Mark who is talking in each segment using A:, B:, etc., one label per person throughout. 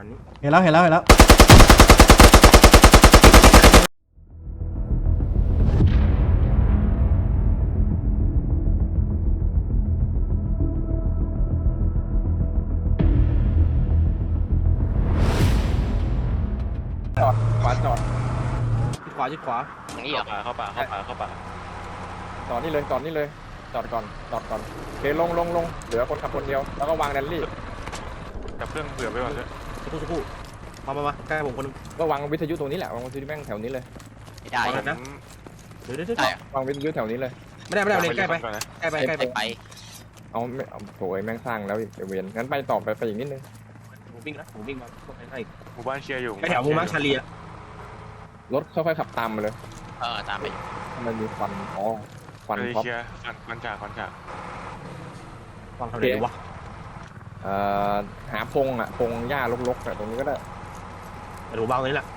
A: ณนี้
B: เห็นแล้ว
C: จอดขวาจอด
A: ชิดขวา
D: อย่างนี้เหรอเข้าป่า
C: จอดนี่เลยจอดนี่เลยจอดก่อนโอเคลงเหลือคนขับคนเดียวแล้วก็วางแรลลี่
D: จับเครื่องเผื่อไว้ก่อนเลย
A: สักครู่มาใกล้ผมคนนึง
C: ก็วางวิทยุตรงนี้แหละวางวิทยุแม่งแถวนี้เลย
D: ไม่ได้นะ
A: เดี๋ยว
C: วางวิทยุแถวนี้เลย
A: ไม่ได้เลยใกล้ไป
C: เอาไม่เอาโอยแม่งสร้างแล้วเวียนงั้นไปต่อไปอีกนิดนึง
A: ผมวิ่งมาใกล้
D: หมู่บ้านเคลียร์อยู่
A: ไปแถวมูมักชาลีอะ
C: รถค่อยๆขับตามมาเลย
D: ตามไป
C: มันมีควันควัน
D: เค
C: ท็อป
D: ลียร์ควันจาก
A: ฟังทางไหนวะ
C: หาพงหญ้ารกๆตรงนี้ก็ได้
A: แต่ดูบ้างนี้แหละ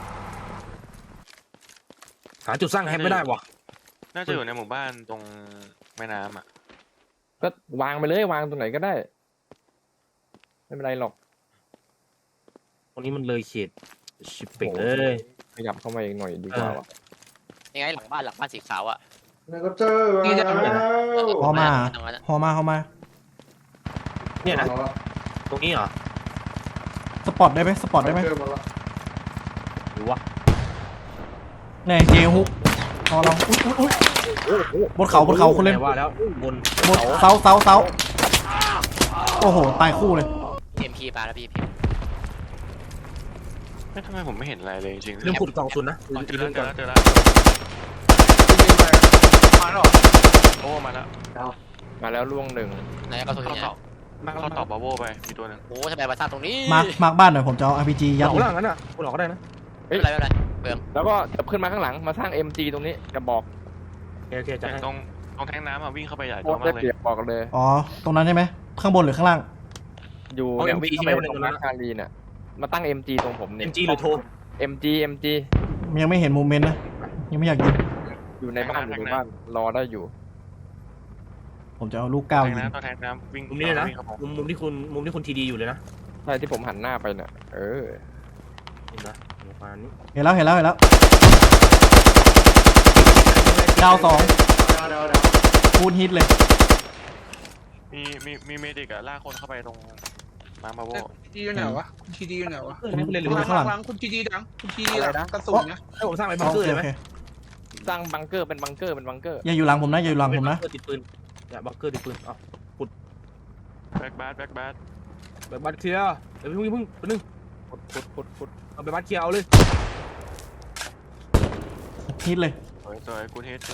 A: หาจุดสร้างแฮปไม่ได้วะ
D: น่าจะอยู่ในหมู่บ้านตรงแม่น้ำอ่ะ
C: ก็วางไปเลยวางตรงไหนก็ได้ไม่เป็นไรหรอก
A: ตรงนี้มันเลยเขตชิปปิ้งเลย
C: ขยับเข้ามาอีกหน่อยดีกว่าวะ
D: ยังไงหลังบ้านสีขาวอ่ะ
E: แล้วก็เจอ
A: นี่จะ
B: ฮอมา
A: เนี่ยนะตรงนี้เหรอ
B: สปอตได้ไหม
E: เจอมาแล้ว
A: หรือวะ
B: เนี่ยเจฮุกพอเราบนเขาคนเล่น
A: ว่าแล้วบน
B: เสาโอ้โหตายคู่เลย
D: MP ปลาแล้วพี่ทำไมผมไม่เห็นอะไรเลยจริง
A: เรื่องขุดกล่องซุนนะ
D: เจอแล้วมาแล้วโอ้มาแล้ว
C: มาแล้วล่วงหนึ่ง
D: ไหนก็ตัวนี้เขาตอบบาโวไปมีตัวหนึ่งโอ้ทำไมมาสร้างตรงนี้
B: มาร์คบ้านหน่อยผมจะเอา RPG ยัด
A: หลังนั้นอ่ะคุณหลอกก็ได้นะ
D: ไม่เป็นไรเบิ่ม
C: แล้วก็ขึ้นมาข้างหลังมาสร้าง MG ตรงนี้กระบอก
A: โอเคจัดให้
D: ตรงแทงน้ำวิ่งเข้าไปใหญ่
C: โค
D: ตัว
C: ตร
D: มา
C: ได้
D: กเลย
C: เปรียบบอกเลย
B: อ๋อตรงนั้นใช่ไหมข้างบนหรือข้างล่าง
C: อยู่เนี่ยวิ่งเข้าไปตรงมาคารีเนี่ยมาตั้ง MG ตรงผมเนี่ย
A: MG หรือโทร
C: MG
B: ยังไม่เห็นโมเมนต์นะยังไม่อยากยิง
C: อยู่ในบ้านรอได้อยู่
B: ผมจะเอาลูกก้าวยิง
D: ตัวแทงน้ำวิ่ง
A: มุมนี้เลยนะมุมที่คุณทีดีอยู่เลยนะ
C: ใช่ที่ผมหันหน้าไปเนี่ย
A: เห็นนะประมาณนี้
B: เห็นแล้วดาว2คูณฮิตเลย
D: มีเมดิกอะลากคนเข้าไปตรงมาบาโว
E: ทีอยู่ไหนวะทีดีอยู่ไหนวะ
A: ไม่เล่นหรือ
E: ข้างหลังคุณทีดีดังคุณทีดีดังกระสุนนะ
A: ให้ผมสร้างไปบังเกอร์เลยไหม
C: สร้างบังเกอร์เป็นบังเกอร์
B: อย่าอยู่หลังผมนะ
A: ติดปืนอย่าบังเกอร์ติดปืนอ๋อ
D: แบ็กบาส
A: แบบบัตเคลียร์เดี๋ยวพึ่งนึงขุดเอาไปบัตเคลียร์เอาเลย
B: ฮิตเลย
D: สวยกูเทส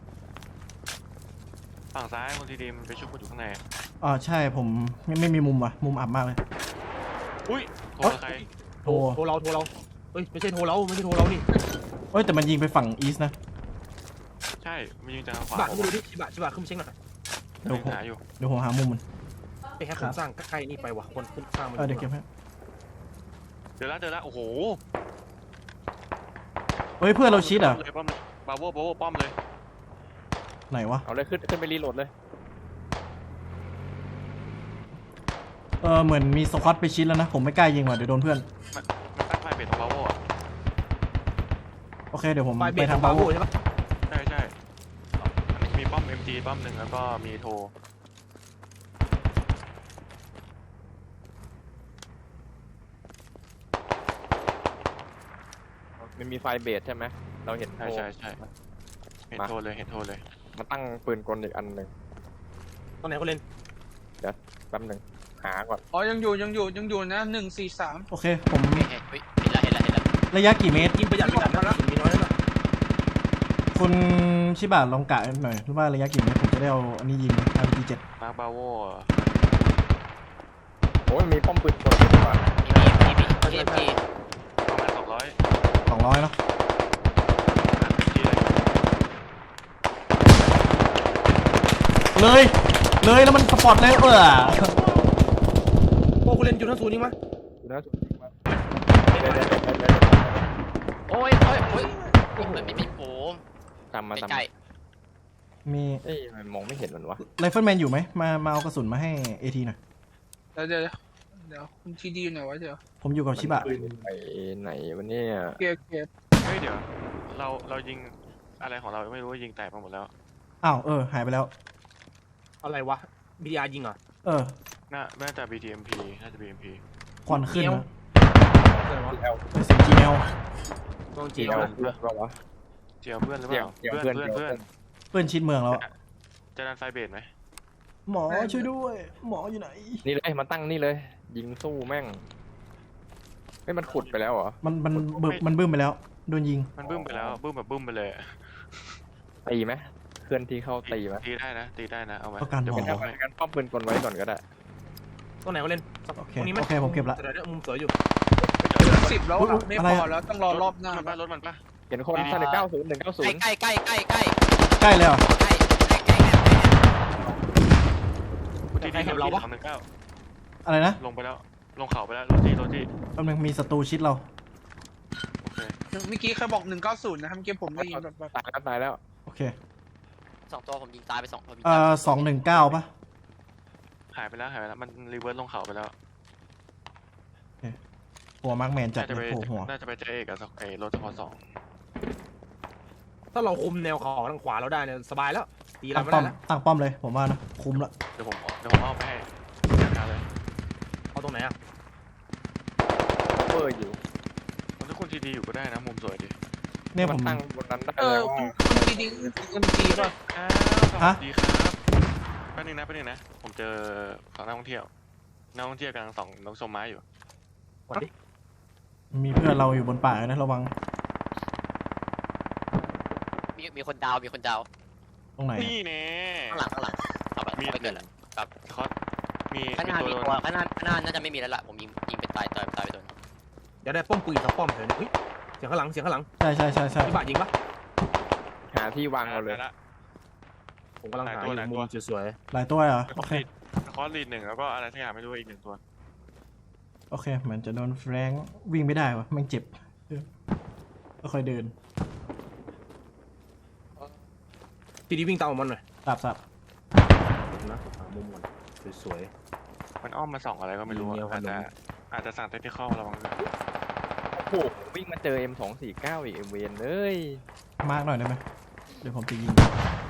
D: ฝั่งซ้ายคนทีดีมันไปชุบกูอยู่ข้างใน
B: อ๋อใช่ผมไม่มีมุมมุมอับมากเลย
D: อุ้ยโทรใคร
A: โทรเราเฮ้ยไม่ใช่โทรเรานี่
B: เอ้ยแต่มันยิงไปฝั่งอีสนะ
D: ใช่มันยิงจากทางขวา
A: บัตรดูดิชิบะขึ้นมาเช็คหน่อย
B: เดี๋ยวผม
D: หาอยู่
B: หามุมมัน
A: ไปแค่ผมสร้างใกล้นี่ไปว่ะคนขึ้นสร้างมัน
B: เดี๋ยวเก็บให้
D: เจอแล้วโอ้โห
B: เฮ้ยเพื่อนเราชิดอ่ะ
D: ป้อมเลยบาโวป้อมเลย
B: ไหนวะ
C: เอาเลยขึ้นไปรีโหลดเลย
B: เหมือนมีสควอตไปชิดแล้วนะผมไม่กล้ายิงว่ะเดี๋ยวโดนเพื่อน
D: มันตั้งไฟเบรตตรงบาโวอ่ะ
B: โอเคเดี๋ยวผม
A: ไป
B: ทางบาโว
A: ใช่ปะ
D: ใช่มีป้อม MG ป้อมหนึ่งแล้วก็มีโทร
C: มันมีไฟเบสใช่ไหมเราเห็น
D: ใช่เห็นโทรเลย
C: มาตั้งปืนกลอีกอันหนึ่ง
A: ตอนไหนเขาเล่น
C: แป๊บหนึ่งหาก่อน
E: อ๋อยังอยู่นะ143
B: โอเคผม
D: เห็นแล้ว
B: ระยะกี่เมตร
A: ยิงประหยัดนะมีน้อยนะ
B: คุณชิบะลองกะหน่อยว่าระยะกี่เมตรผมจะได้เอาอันนี้ยิง RPG 7
D: มาบาโว
C: โอ้ยมีป้อมปืนกลดีกว่า
D: มี MG ประมาณ
B: 200เนาะเลยแล้วมันสปอตเลย
A: โอ้คุณเล่นอยู่ทั้งศูนย์นี่มั้ย
C: นะ
D: โอ้ยมันมีโผล่
C: จำมา
D: ใกล้
B: มี
C: มันมองไม่เห็นมันวะ
B: ไรเฟิลแมนอยู่ไหมมาเอากระสุนมาให้ AT หน่อย
E: เดี๋ยวเดี๋ยวคุณทีดีอยู่ไหนวะเดี๋ยว
B: ผมอยู่กับชิบะ
C: ไปไหนวันนี้
E: เก็บ
D: เฮ้ยเดี๋ยวเรายิงอะไรของเราไม่รู้ว่ายิงแตกไปหมดแล้ว
B: อ้าวหายไปแล้ว
A: อะไรวะบีอาร์ยิงเหรอ
D: น่าจะ BTMP น่าจะ BMP
B: ควันขึ้นนะ
A: อะไรวะ
B: เสียง GL
A: ต้องจี
C: เจี
A: น
C: ยว
A: นะ
C: เพื่อนเราวะ
D: เจียวเพื่อนหรือเปล่า
C: เจียวเพื่อน
D: เพื่อน
B: เพื่อนชิดเมืองแล้วอะ
D: จะดันไฟเบสไหม
B: หมอช่วยด้วย หมออยู่ไหน
C: นี่เลยมาตั้งนี่เลย ยิงสู้แม่งไม่มันขุดไปแล้วเหรอ
B: มันบึ้มไปแล้ว โดนยิง
D: มันบึ้มไปแล้วบึ้มแบบบึ้มไปเลยอะ
C: ตีไหมเพื่อนที่เข้าตีไหม
D: ตีได้นะเอาไหม
B: ต้องการ
D: เดี๋ยว
B: ห
D: ผม
B: ม
D: บ
B: อ
D: อกให้
C: งั้นป้อมปืนกลไว้ก่อนก็ได้
A: ตรงไหนก็เล่น
B: โอเค
A: ตรงนี้ไหม
B: โอเคผมเก็บละ
A: แต่เดี๋ยวมุมสวยอยู่
E: 10แล้ว
B: อุ๊ย
E: อะไม่
B: อะไร
E: พ
B: อะ
E: อแล้วต้องรอรอบหน้า
D: มันปะรถมันปะ
C: เห็นคนท่าน190
F: ใกล้ใกล้ใกล้ใกล้
B: ใกล้เลยเหรอ
F: ใกล้ใกล้ใกล้เนี่ย
D: ทีทีเราปะ219
B: อะไรนะ
D: ลงไปแล้วลงเขาไปแล้วโรจี้
B: แป๊บนึงมีศัตรูชิดเรา
D: โอเค
E: เมื่อกี้เคยบอก190นะครับเมื่อกี้ผมได้ยินแบบ
C: ตายแล้ว
B: โอเค
F: 2 ตัวผมยิงตายไป2ผมยิง
B: 219ป่ะ
D: หายไปแล้วมันรีเวิร์สลงเขาไปแล้ว
B: หัวมาร์กแมนจัด
D: น่าจะ
B: เล
D: ไป
B: ยโผล่หัว
D: น่าจะไปเจอเอกกับไอ้รถทพสอง
A: ถ้าเราคุมแนวเขาทางขวาเราได้เนี่ยสบายแล้วตีเรา
B: ตั้ง
A: ไม่
B: ป้อ
A: ได้
B: ม
A: แล้ว
B: ตั้งป้อมเลยผมว่านะคุ้มละ
D: เดี๋ยวผมเอาไปให้จัดการเลย
A: เอาตรงไหนอ่ะ
C: เวอร์อยู่
D: ถ้าคุณทีดีอยู่ก็ได้นะมุมสวยดี
B: เนี่ยผม
C: ตั้งบนนั้นได้
E: เอ
C: เล
E: อย
C: ว่า
E: คุณทีดีMG ป่ะ
D: สวัสดีครับแป๊บนึงนะผมเจอของนักท่องเที่ยวกำลังส่องนกชมไม้อยู่
A: กดดิ
B: มีเพื่อนเราอยู่บนป่านะระวัง
F: มีคนดาวมีคนดาว
B: ตรงไหน
D: นี่แน่
F: ข้างหลังเอาไปเกิดแล้ว
D: คอสมี
F: ข้างหน้า
D: ตัว
F: มี
D: โด
F: ตัวน ข้างหน้าน่าจะไม่มีแล้วล่ะผมยิงเป็นตายไปโดน
A: เดี๋ยวได้ป้อมปืนสักป้อมเถอะเนี่ยเฮ้ยเสียงข้างหลัง
B: ใช่
A: พี่บาทยิงปะ
C: หาที่วางเราเลย
D: ละ
A: ผมกำลังหาอยู่มุมสวย
B: หลายตัวเหรอ
D: ค
B: โอ
D: อส
B: เค
D: ลีด1แล้วก็อะไรสักอย่างไม่รู้อีก1ตัว
B: โอเคเหมือนจะโดนแฟรงค์วิ่งไม่ได้วะแม่งเจ็บก็ค่อยเดิน
A: ๆทีนี้วิ่งตามมันหน่อย
B: สับ
A: นะหามุมก่อนสวย
D: มันอ้อมมาส่องอะไรก็ไม่รู้
A: มีเงี้ยวขนม
D: อาจจะสั่งเทคนิคอลระวังด้วย
C: โอ้โหวิ่งมาเจอ M249 อีกเวนเลย
B: มาร์กหน่อยได้ไหมเดี๋ยวผมจะยิง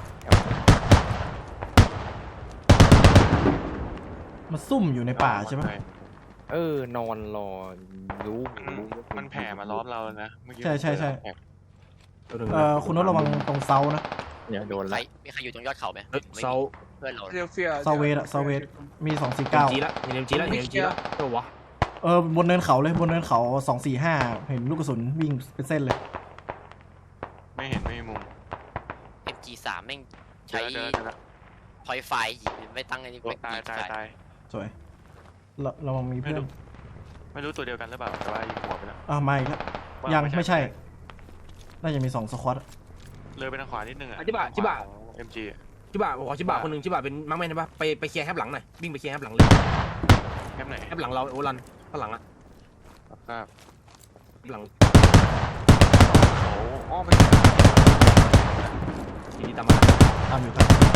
B: มันซุ่มอยู่ในป่าใช่ไหม
C: นอนรอรู้
D: มันแผ่มาล้อมเราแล้วนะเมื่อกี้
B: ใช่
A: ๆตัวหนึ่ง
B: คุณน้ตระวังตรงเซานะ
C: เนี่ยโดน
F: ใคร
C: ไล่
F: มีใครอยู่ตรงยอดเขาไหม
A: เฮ้ยเซา
F: เพื่อนเรา
E: เรียเฟีย
B: เซาเวสมี
A: จี
B: 249
A: ละเห็นจีละตัววะ
B: บนเนินเขาเลยบนเนินเขา245เห็นลูกกระสุนวิ่งเป็นเส้นเลย
D: ไม่เห็นไม่มีมุม
F: MG3 แม่งใช้
D: เจอแล้ว
F: พอยไฟยิงไม่ตั้งไอ้นี่
D: ตาย
B: สวยระวังมีเพื่อน
D: ไม่รู้ตัวเดียวกันหรือเปล่าแต่ว่ายิงหัวไปแล้ว
B: มาอีกแล้วยังไม่ใช่ น่าจะมี2สควอต
D: เลยไปทางขวานิดนึงอ่ะ
A: จิบะ
D: MG
A: ชิบะขอชิบะคนหนึ่งชิบะเป็นมังแมนใช่ปะไปเคลียร์แคปหลังหน่อยวิ่งไปเคลียร์แคปหลังเลย
D: แคปไหน
A: แคปหลังเราโอรันข้างหลังอะ
D: ครับ
A: แคปหลัง
D: โอ้อ้อมไป
A: ทีนี้ตามมา
B: ตามอยู่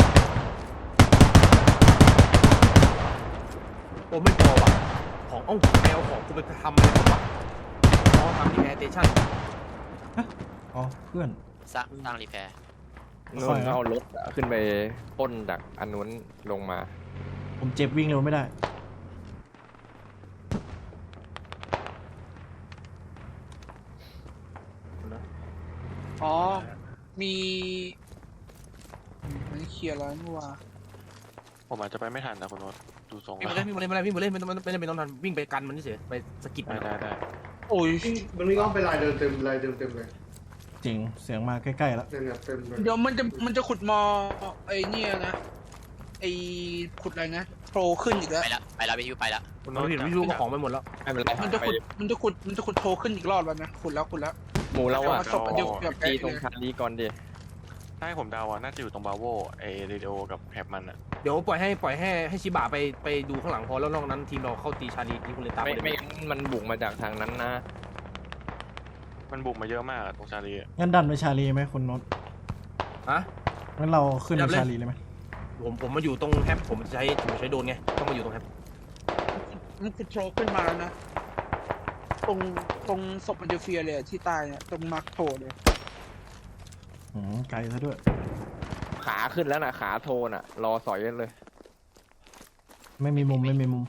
A: โอ้ไม่พอว่ะของแมวของกูไปทำอะไรผมวะทำที่แอร์สเตชั่น
B: อ๋อเพื่อน
F: สร้างรีแพร์
C: นู่นเอารถขึ้นไปปล้นจากอันนู้นลงมา
B: ผมเจ็บวิ่งเร็วไม่ได้
E: อ๋อมีมันเคลียร์แล้วนี่ว่า
D: ผมอาจจะไปไม่ทันนะคุณโน้ตดูทรง
A: วิ่งมาเลยไม่ต้องทันวิ่งไปกันมันเฉยไปสกิดมัน
D: ได้
E: โอ้ย
G: มันวิ่งอ้อมไปลายเดิมเต็มเลย
B: จริงเสียงมาใกล้ๆแล้ว
G: เนี่ยเต็มเลย
E: เดี๋ยวมันจะขุดมอไอ้เนี่ยนะไอ้ขุดอะไรนะโผล่ขึ้นอีกแล้ว
F: ไปแล้ววิวไปแล้ว
D: คุณ
A: เรา
D: โน้ต
A: เห็นวิวของไปหมดแล้ว
C: ไม่เป็นไร
E: มันจะขุดโผล่ขึ้นอีกรอบแล้วนะขุดแล้ว
C: หมูเราอะ
E: ผสมเดี๋ยว
C: ตีตรงชาลีก่อนดิ
D: ถ้าให้ผมเดาอ่ะน่าจะอยู่ตรงบาโวไอเรดิโอกับแคปมันอ่ะ
A: เดี๋ยวปล่อยให้ชิบะไปดูข้างหลังพอแล้วนอกนั้นทีมเราเข้าตีชาลีที่คุณเลตา
C: ไม่งั้นมันบุกมาจากทางนั้นนะ
D: มันบุกมาเยอะมากตรงชาลี
B: งั้นดันไปชาลีไหมคุณโน้ต
A: ฮะ
B: งั้นเราขึ้นไปชาลีเลยไหม
A: ผมมาอยู่ตรงแฮปผมใช้โดนไงต้องมาอยู่ตรงแฮป
E: มันคือโทรขึ้นมาแล้วนะ ตรงศพมันจะเฟียเลยอะที่ตายเนี่ยตรงมาร์คโทรเลย
B: ไกลซะด้วย
C: ขาขึ้นแล้วนะขาโทนอ่ะ รอสอยกันเลย
B: ไม่มีมุมไม่มีมุม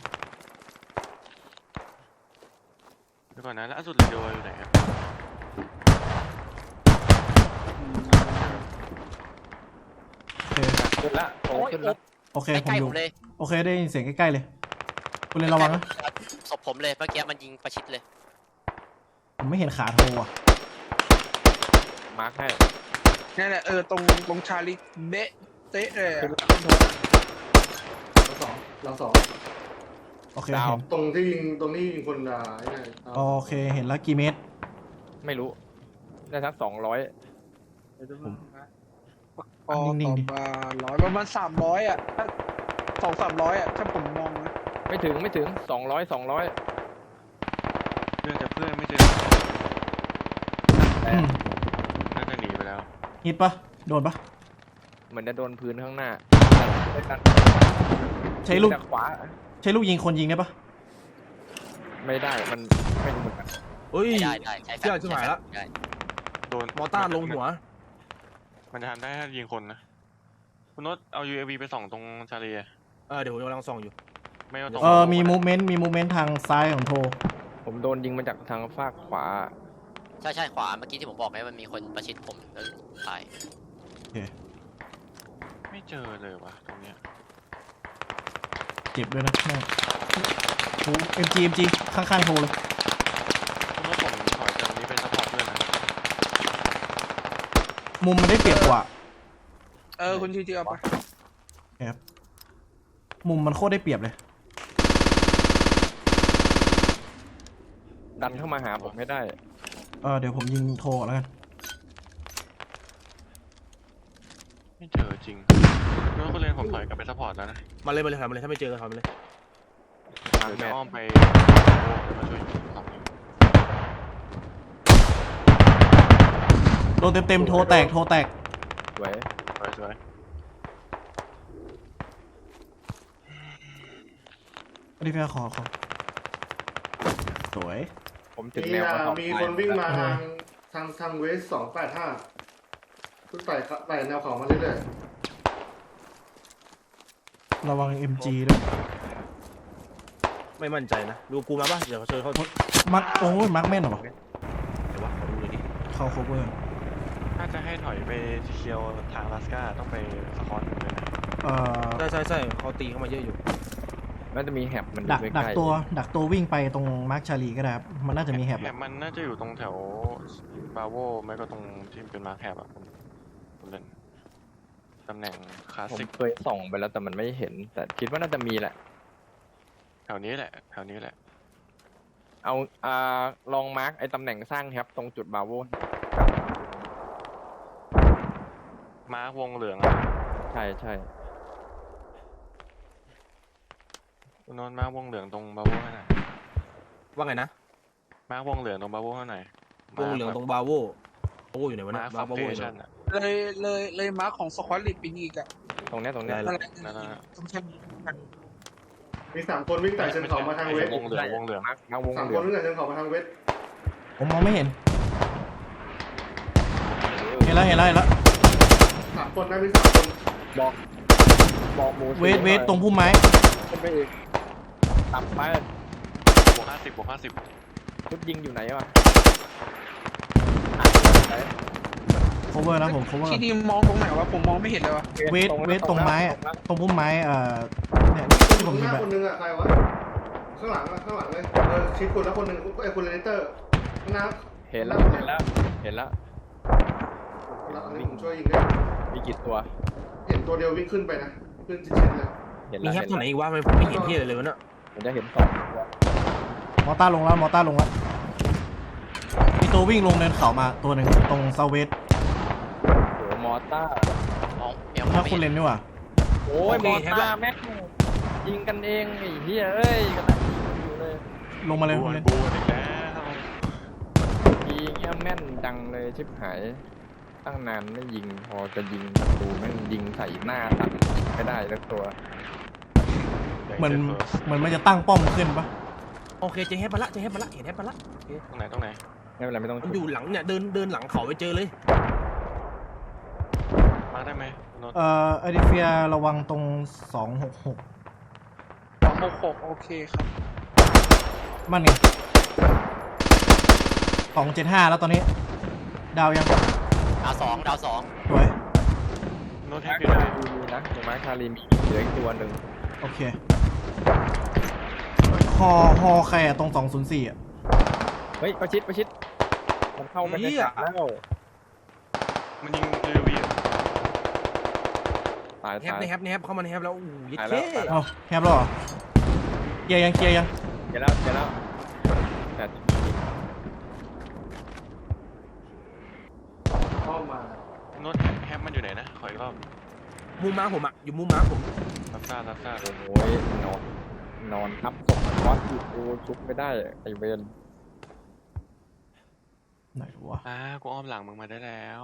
D: เดี๋ยวก่อนนะล่าสุดเรดิโออยู่ไหนครับ
B: โอเค
C: ขึ้นละโทขึ้นละ
B: โอเค
F: ใก
B: ผม
F: ล้ๆ
B: อ
F: ผ
B: ยู่
F: มเลย
B: โอเคได้ยินเสียงใกล้ๆเลยคุณเรียนระวังนะ
F: ศพผมเลยเมื่อกี้มันยิงประชิดเลย
B: ผมไม่เห็นขาโทรอ่ะ
C: มาร์คให้
E: นี่นแหละตรงชาลีเบะเตะเลยอะ
G: เราสอง
B: โอเค
C: ดาว
B: เห็น
G: ตรงที่ยิงคนไอ้นี่
B: โอเคเห็นแล้วกี่เมตร
C: ไม่รู้ ได้สัก200
E: พอ
B: นิ่
E: ต่
B: ง
E: อ
B: ๆดิ
E: มาประมาณ300อะถ้า200-300อะถ้าผมมองนะ
C: ไม่ถึง200
D: เพื่อนจะเพื่อนไม่เจอ
B: อืม
D: น่าจะหนีไปแล้ว
B: ฮิตปะโดนปะ
C: เหมือนจะโดนพื้นข้างหน้า
B: ใช้ลูก
C: จากขวา
B: ใช้ลูกยิงคนยิงได้ปะ
C: ไม่ได้มันไม่รู้เหมือนกัน
A: เฮ้ย
F: ได้ใช้แฟ
A: เชื่อชิบหายละ
F: ได้
D: โดน
A: มอต้าลงหัว
D: มันจะทำได้ถ้ายิงคนนะคุณโน้ตเอา UAV ไปส่องตรงชาลีอะ
A: เดี๋ยวผมกำลังส่องอยู่
D: ไม่เอาตรง
B: มีมูฟเมนต์ทางซ้ายของโทร
C: ผมโดนยิงมาจากทางฝากขวา
F: ใช่ขวาเมื่อกี้ที่ผมบอกไงมันมีคนประชิดผมแล้วตาย
D: ไม่เจอเลยวะตรงเนี้ย
B: เจ็บด้วยนะแม่งโอ้ MG ข้างๆโทรเลย
D: คุณโน้ตผมถอยจากตรงนี้ไปซัพพอร์ตเพื่อนนะ
B: มุมมันได้เปรียบกว่า
E: คุณทีเอาไป
B: ครับมุมมันโคตรได้เปรียบเลย
C: ดันเข้ามาหาผมไม่ได้
B: เดี๋ยวผมยิงโทรก่อนแล้วกัน
D: ไม่เจอจริงคุณโน้ตคุณเรียนผมถอยกลับไปซัพพอร์ตแล้วนะ
A: มาเลยถอยมาเลยถ้าไม่เจอก็ถอยมาเลย
C: ทาง
D: เดี๋ยว
C: แม่
D: จะอ้อมไปจะมาช่วยสองนิ้ว
B: โดนเต็มโทรแตก
C: สวย
D: สวย
B: อันนี้พี่ขอสวย
C: ผมถึงแนวกระสอบ
G: มีคนวิ่งมาทางเวส285ทุกไต่แนวเขามาเรื่อย
B: ระวัง MG ด้วย
A: ไม่มั่นใจนะ ดูกูมาป่ะ เดี๋ยวเชิญเขา
B: มักโอ้ยมักแม่นเหรอวะ
A: เดี๋ยววะขอดูเลยดิ
B: เข้า cover
D: ถ้าจะให้ถอยไปเคียวทางลาสกาต้องไปสคอนเลยนะ
A: ใช่เขาตีเข้ามาเยอะอยู่
C: น่าจะมีแฮบมันอ
B: ดัก
C: ยู่
B: ดั
C: ใก
B: ก
C: ล้
B: ตัววิ่งไปตรงมาร์คชาลีก็ได้ครับมันน่าจะมีแฮบ
D: แฮบมันน่าจะอยู่ตรงแถวบาโวไม่ก็ตรงที่เป็นมาร์คแฮบอะผมเล่นตำแหน่งคลาส
C: ผม
D: สิก
C: เคยส่องไปแล้วแต่มันไม่เห็น แต่คิดว่าน่าจะมีแหละ
D: แถวนี้แหละ
C: เอาลองมาร์กไอ้ตำแหน่งสร้างแฮบตรงจุดบาโว
D: มาร์ควงเหลือง
C: ใช่
D: คุณนนท์มาร์ควงเหลืองตรงบาโวให้หน่อย
A: ว่าไงนะ
D: มาร์ควงเหลืองตรงบาโวให้หน่อยว
A: งเหลืองตรงบาโวอยู่ไหนวะ
D: มา
A: นะ
D: ร์คฟอร์
A: บาโว
D: เท
A: อยู่ไห
D: ชั
A: น
D: นอะ
E: เลยมาร์คของสควอตลิปปีนี้อีกอะ
C: ตรงเนี้ย
A: ได้
E: นั่นแหละ
D: นั่นแหละ
E: ต้องใช้กัน
G: ๆมี3คนวิ่งไต่เชิงเขามาทางเวส
D: วงเหลือง
C: มาร์กวง
G: 3
C: เหลื
G: ค
C: อน ง
G: วิ่งไต่เชิงเขามาทางเวส
B: ผมมองไม่เห็นเห็นแล้ว
G: 3 คนนะมี3 คน
C: บอกหมู
B: เวทตรงพุ่มไม้
C: ขึ้นไปอีกต่ำไป
D: บวก50
C: ชุดยิงอยู่ไหนวะ
B: cover นะผม cover
E: ที่ดีมองตรงไหนวะผมมองไม่เห็นเลยวะ
B: เวทตรงไม้อะตรงพุ่มไม้เนี่ยที่ผม
G: ห
B: ยิง
G: น้า
B: ไป
G: คนนึงอะใครวะข้างหลังเลยชิดคุณแล้วคนนึงไอ้คุณเลเตอร์ข้างหน้า
C: เห็นแล้ว
G: อันนี้ผมช่วยยิงได้
C: มีกี่ตัว
G: เห็นตัวเดียววิ่งขึ้นไปนะขึ้นชิดๆเลย
C: เห็น
A: มี
C: แล้ว
A: แฮปตัวไหนอีกวะไม่ผมไม่เห็นที่อะไรเลยวะเนะ
C: ผมจะเห็น2ตัว
B: มอต้าลงแล้วมีตัววิ่งลงเนินเขามาตัวหนึ่งตรงเซาเวส
C: โหมอต้า
F: มองเมียว
B: ถ้าคุณเลนนี่หว่า
C: โอ้ยมอต้าแม็กยิงกันเองไอ้เหี้ยเอ้ยกันอยู่เลย
B: ลงมาเลย
D: บู
B: คุณ
D: น
B: เลน
D: บูนอีกแล้ว
C: ยิงเงี้ยแม่นจังเลยชิบหายตั้งนานไม่ยิงพอจะยิงประตูแม่งยิงใส่หน้าตัดไม่ได้สักตัว
D: ใจ
B: เหมือนมันจะตั้งป้อมขึ้นปะ
A: โอเคเจอแฮปมาละเจอแฮปมาละเห็นแฮปมาละ
D: ตรงไหนตรงไหน
C: ไม่เป็นไรไม่ต้อง
A: มันอยู่หลังเนี่ยเดินหลังเขาไปเจอเลย
D: มาได้ไหมโน้ต
B: เอดิเฟียระวังตรง266
E: 266โอเคครับ
B: มันไง275แล้วตอนนี้ ดาวยัง
F: ดาวสอง
B: สวย
D: โน้ตแฮ
C: มา
D: ป
C: ร์
D: อยู่
C: ค
D: ไหน
C: ชาลีมีนะอยู่มาร์คชาลีมีเหลืออีกตัวหนึ่ง
B: โอเคฮอใครอะตรง204อะ
C: เฮ้ยประชิดมันเข้าไม่ได้แล้ว
D: มันยิงเรือวี
C: ตาย
A: แฮป
C: ตาย
A: ในแฮปในแฮปเข้ามาในแฮปแล้วโอ้ย
C: ตาย
A: เท่
C: แล้ว
B: เอาแฮปแล้วเหรอเคลียร์ยัง
C: เจอแล้วแต่
G: เข้ามา
D: โน้ตแฮปมันอยู่ไหนนะขออีกรอบ
A: มุมม้าผมอะอยู่มุมม้าผม
D: รับทราบรับทราบ
C: โอ้ยนอนทับศพวัดอยู่กูชุบไม่ได้ไอเวน
B: ไหนวะ
D: กูอ้อมหลังมึงมาได้แล้ว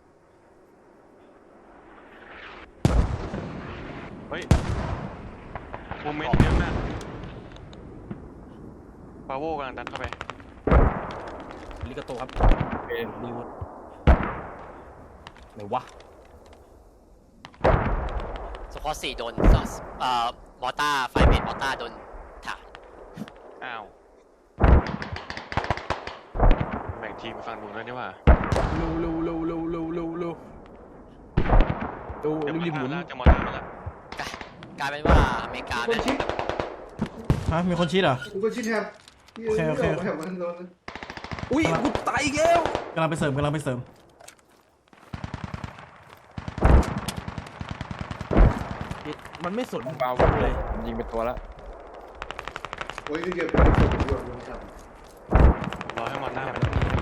D: เฮ้ยโมเมนต์เยอะมากปาโวกำลังดันเข้าไป
A: ลิกาโตครับ
C: เอ็น
A: ดีวไหนวะ
F: สควอต4โดนมอต้าไฟเมดมอต้าโดนถาง
D: อ้าวแบ่งทีมไปฝั่งนู้นด้วยนี่หว่า
A: เร็วดู
D: เดี๋ยว
A: รีบหมุน
D: แล้วจะมอต้ามาแล้ว
F: กลายเป็นว่าอเมริกา
G: คนชิด
B: ฮะมีคนชี้เหรอ
G: กูก็ชิดแฮม
B: โอเคโอเค
G: แฮมมันโดน
A: อุ้ยกูตายอีกแล้ว
B: กำลังไปเสริม
A: มันไม่สน
C: เบา
A: เลย
C: ยิงเป็นตัวละ
G: โอ้ยเดี๋ยวเป็นคนที่โดนครับ
D: รอให้มอต้ามัน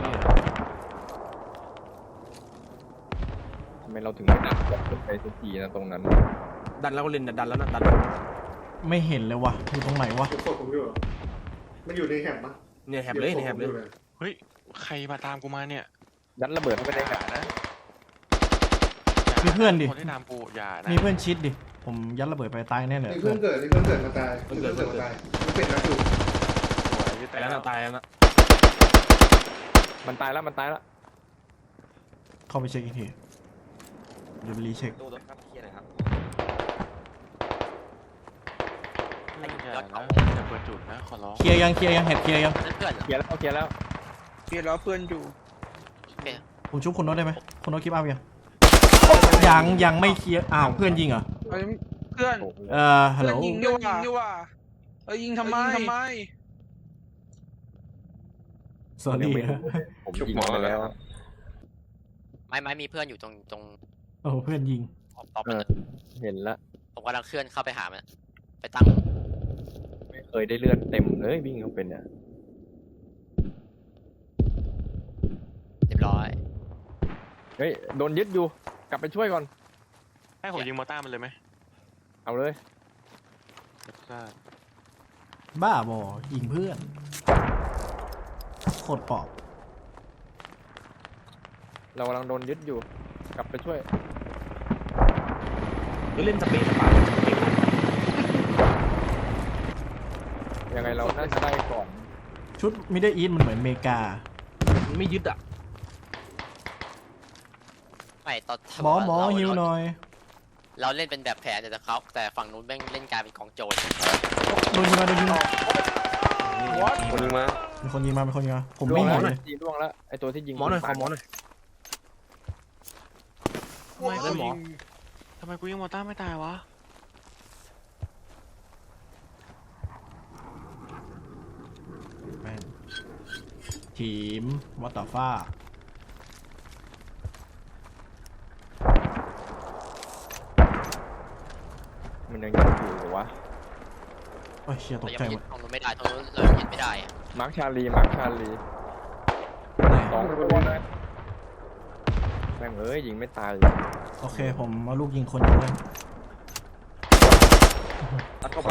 C: ทำไมเราถึงไม่ดักขึ้นไปสักทีนะตรงนั้น
A: ดันแล้วก็เล่นดันแล้วนะดัน
B: ไม่เห็นเลยวะอยู่ตรงไหนวะ
G: ผมกดผมอยู่เหรอมันอยู่ในแฮมปะ
A: เนี่ยแฮปเลยเนี่ยแฮปเลย
D: เฮ้ยใครมาตามกูมาเนี่ย
C: ยัดระเบิดเข้าไปในกานะ
B: มีเพื่อนดิ
D: คนที่ตามกูอย่านะ
B: มีเพื่อนชิดดิ ผมยัดระเบิดไปตายแน่เลย
G: นี่เพื่อนเกิดมาตายมันเป็นนักอยู่
A: ตายแล้วนะตายแล้วนะ
C: มันตายแล้ว
B: เข้าไปเช็คอีกทีเดี๋ยวไปรีเช็ค
F: ดูรถครับเคลียร์หน่อยครับ
D: อย่านะอย่าเปิดจุดนะขอร้อง
B: เคลียร์ยังแฮปเคลียร์ยัง
F: นั่นเพื่อนเหรอ
C: เคลียร์แล้ว
E: เพียร์แล้วเพื่อนอยู่
B: ผมชุบคุณโน้ตได้ไหมคุณโน้ตคลิปอัพยังไม่เคลียร์ อ้าวเพื่อนยิงเหรอ
E: เฮ้ยเพื่อน
B: ฮัลโหล
E: เพื่อนยิงด้วยว่ายิงทำไม
B: สวัสดี
C: ผมยิงไปแล้ว
F: ไม่มีเพื่อนอยู่ตรง
B: โอ้เพื่อนยิง
F: ออฟมัน
C: เห็นละ
F: ผมกำลังเคลื่อนเข้าไปหามันไปตั้ง
C: ไม่เคยได้เลือดเต็มเลยวิ่งเข้าเป็นเนี่ย
F: เรียบร้อย
C: เฮ้ยโดนยึดอยู่กลับไปช่วยก่อน
D: ให้ผมยิงมอต้ามันเลยไหม
C: เอาเลย
D: รับทราบ
B: บ้าบอยิงเพื่อนโคตรปอบ
C: เรากำลังโดนยึดอยู่ กลับไปช่วย
A: ก็เล่นสเปซสปา
C: ยังไงเราน่าจะได้ก่อน
B: ชุดมิดเดิลอีสมันเหมือนอเมริกา
A: ไม่ยึดอ่ะ
F: ไม่ตอน
B: หมอฮิวหน่อย
F: เราเล่นเป็นแบบแผนแต่ฝั่งนู้นแม่งเล่นกลายเป็นกองโจร
B: โดนยิงมา
D: คนนึงมา
B: มีคนยิงมาผมไม่เห็นเลย
C: ยิงล่วงแล้วไอตัวที่ยิง
A: หมอหน่อยขอหมอหน่อย
D: ทำไมกูยิงมอต้าไม่ตายวะ
B: แม่งทีมวัตตาฟ้า
C: มันยังยิงอยู่เหรอวะ
B: โอ้ยเชียต
F: เรา
B: ก
F: ยัง
B: ใจ
F: ไม่
B: หม
F: ยึ
B: ด
F: ดตรงนู้นไม่ได้ตรงนู้นเรายังยึดไม่ได้อะ
C: มาร์คชาลี
B: ไหน
C: สองตัวเลยแม่งยิงไม่ตาย
B: โอเคผมเอาลูกยิงคนยิงเลย
A: ดันเข้าไป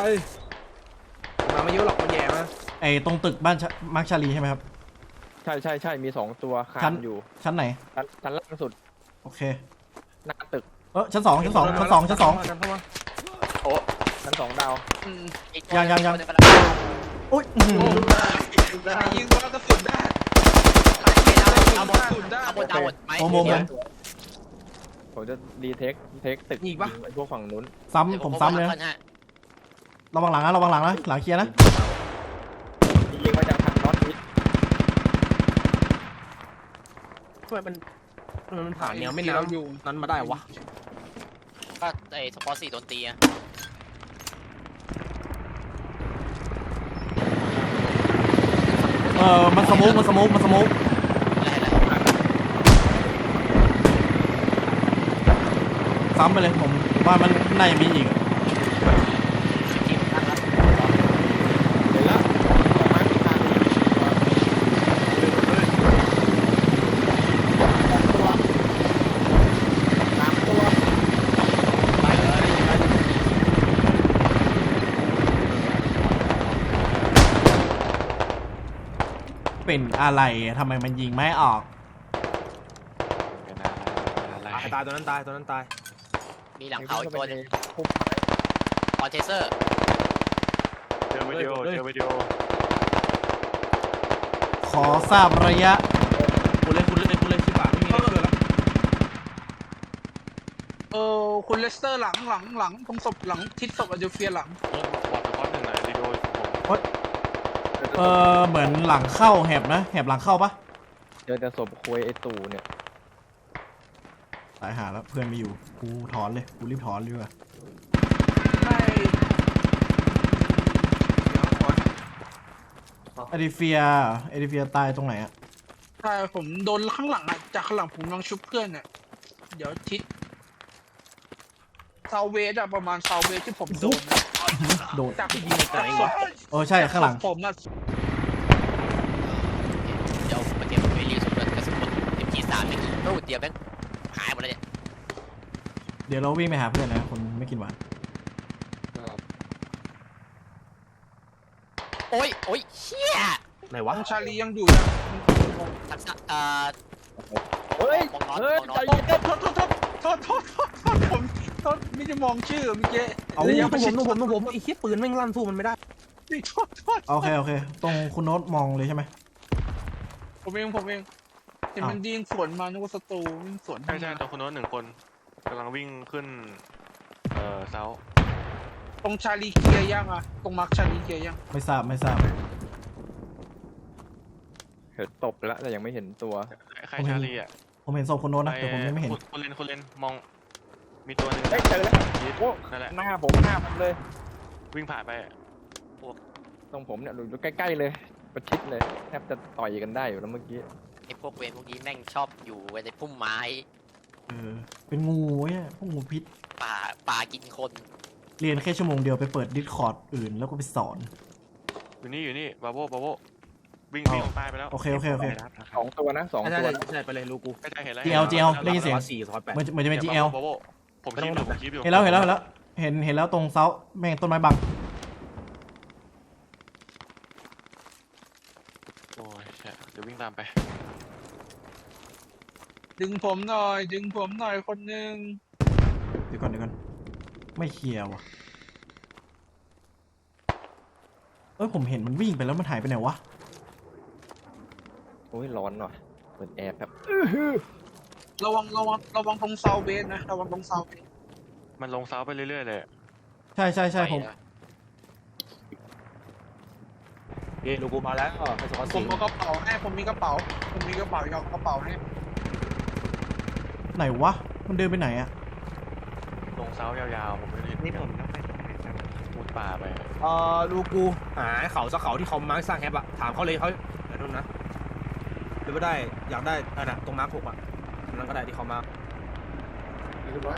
A: มาไม่เยอะหรอกมันแย่มา
B: ไอตรงตึกบ้านมาร์คชาลีใช่ไหมครับ
C: ใช่มีสองตัวคา
B: ชั้น
C: นอยู่
B: ชั้นไหน
C: ชั้นล่างสุด
B: โอเค
C: หน้าตึก
B: ชั้นสอง
A: ดันเข้ามา
F: โอ้
C: ชั้น2ดาว
E: อืม
F: อีกตัว
B: ยัง
F: ตัวหนึ่งกำลัง
B: อุ้ยอื้อหือ
E: ใครยิงว่ากระสุนได้
F: เอาหมด
E: กระสุนได้
F: เอาหมดเอาหมดไหม
B: โมโม
C: ผมจะรีเทคตึกไอ้พวกฝั่งนู้น
B: ซ้ำผมซ้ำเลยนะระวังหลังนะระวังหลังนะหลังเคลียร์นะ
C: ยิงมาจากทางน็อตอีส
A: ทำไมมันผ่านแนวไม่น้ำอยู่นั้นมาได้วะ
F: ก็ไอ้สปอร์ต4โดนตีอะ
B: มันสโมก
F: อะไร
B: ซ้ำไปเลยผมว่ามันน่าจะมีอีกอะ
F: ทีมตั้งแล้ว
C: เห็นแล้วออกมาที่ทางนี้ตามตัว
F: ไปเลย
B: เป็นอะไรทำไมมันยิงไม่ออก
D: เป็นอะไร
A: ตายตัวนั้นตายตัวนั้นตาย
F: มีหลังเขาอีกตัวหนึง
C: พุ่ม
F: ออนเทเซอร์
D: เจอวิดีโอเจอวิดีโอ
B: ขอทราบระยะ
A: คุณเลยชิบะไม่มีอะไรเชื่อแล้ว
E: คุณเลสเตอร์หลังตรงศพหลังทิศศพอเดลเฟียหลัง
D: บอดเป็นข้อหนึ่งหน่อยวิดีโอผม
B: เหมือนหลังเข้าแหบนะแหบหลังเข้าปะ
C: เจอแต่ศพคุยไอ้ตู่เนี่ย
B: ตายหาแล้วเพื่อนไม่อยู่กูถอนเลยกูรีบถอนเลยว่ะ
E: ไม่
B: เอดิเฟียตายตรงไหนอะ
E: ใช่ผมโดนข้างหลังอ่ะจากข้างหลังผมกำลังชุบเพื่อนเนี่ยเดี๋ยวทิศซาวเวสอะประมาณซาวเวสที่ผมโดนอะ
B: โดน
E: จาก
A: ยิงในใจวะ
B: ใช่ข้างหลัง
E: ผมน่ะ
F: เดี๋ยวมาเตรียมไปรีสุดกระสุนหมด MG3 นี่ตู้เดียวแม่งหายหมดเลยเนี่ย
B: เดี๋ยวเราวิ่งไปหาเพื่อนนะคนไม่กินหวาน
F: โอ้ยเชี่ย
A: ไหนวะ
E: ชาลียังอยู่นะ
F: ทักษะ
C: เฮ้ย
F: มองน็อต
C: เฮ้ย
F: มองน็อ
C: ใจ
F: ต
C: เย็น
E: ผมไม่ได้มองชื่อเมื่อกี้
A: เอา
E: ระยะ
A: ผ
E: ประชิด
A: มไอ้เหี้ยปืนแม่งลั่นสู้มันไม่ได้
E: โทษ
B: โอเคตรงคุณโน้ตมองเลยใช่ไหม
E: ผมเองเห็นมันยิงสวนมานึกว่าศัตรูวิ่งสวน
D: ใช่ตัวคนโน้น1 คนกำลังวิ่งขึ้นเซา
E: ตรงชาลีเคลียร์ยังอะตรงมาร์คชาลีเคลียร์ยัง
B: ไม่ทราบ
C: เห็นตบแล้วแต่ยังไม่เห็นตัว
D: ใครชาลีอ่ะ
B: ผมเห็นศพคุณโน้ตนะแต่ผมยังไม่เห็น
D: คนเลนมองมีตัวหนึ่ง
C: เฮ้ยเจอแล้วโอ้
D: นั่นแหละ
C: หน้าผมเลย
D: วิ่งผ่านไป
C: ตรงผมเนี่ยดูใกล้ๆเลยประชิดเลยแทบจะต่อยกันได้อยู่แล้วเมื่อกี้
F: ไอ้พวกเวรพวกนี้แม่งชอบอยู่ในพุ่มไม้
B: เป็นงูเนี่ยพวกงูพิษ
F: ป่ากินคน
B: เรียนแค่ชั่วโมงเดียวไปเปิดดิสคอร์ดอื่นแล้วก็ไปสอน
D: อยู่นี่บาโววิ่งตายไปแล้ว
B: โอเค
C: 2 ตัวนะ2
A: ใช่
C: ตัว
A: ใช่ไปเลยลูกู
D: ใกล้เห็นแล้ว
B: GL ได้ยินเสียง
A: 408
B: เหมือนจะเป็น GL
D: บาโวผมคีบอยู่
B: เห็นแล้วเห็นแล้วตรงเซาแม่งต้นไม้บัง
D: โอ้ยเดี๋ยววิ่งตามไป
E: ดึงผมหน่อยคนหนึ่ง
B: เดี๋ยวก่อนไม่เคลียร์ว่ะผมเห็นมันวิ่งไปแล้วมันหายไปไหนวะ
C: โอ้ยร้อนว่ะเปิดแอร์ครับ
E: ระวังตรงเซาเบสนะระวังตรงเซาเบส
D: มันลงเซาไปเรื่อยๆเลย
B: ใช่ผม
A: เฮ้ยลูกูมาแล้วไปสกอต
E: ผมเอากระเป๋าให้ผมมีกระเป๋าเอากระเป๋าให้
B: ไหนวะมันเดินไปไหนอะ
D: ลงเซายาวๆผมไม่เห็นนี่ผมต้องไปมุดป่าไป
A: ลูกูหาเขาสักเขาที่เขามาร์คสร้างแฮปอะถามเขาเลยเขาเดี๋ยวนู่นนะหรือว่าได้อยากได้นะตรงมาร์ค6อะนั่นก็ได้ที่เขามา
G: เรียบร้อย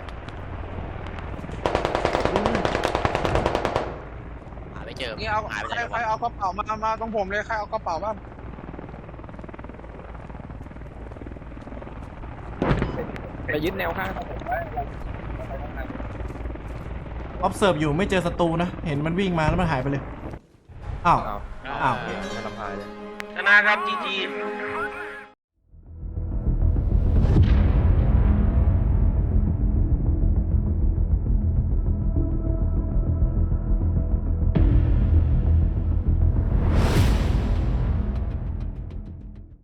F: หาไม่เจอ
E: นี่เอา
F: หายไปไหน
E: ใครเอากระเป๋ามาตรงผมเลยใครเอากระเป๋าบ้าง
C: ไปยึดแนวข้างผมไว้
B: observe อยู่ไม่เจอศัตรูนะเห็นมันวิ่งมาแล้วมันหายไปเลยอ้าว
C: เอา
B: อ้าว
C: ไม่ทำพายเลย
E: ชนะครับจีจี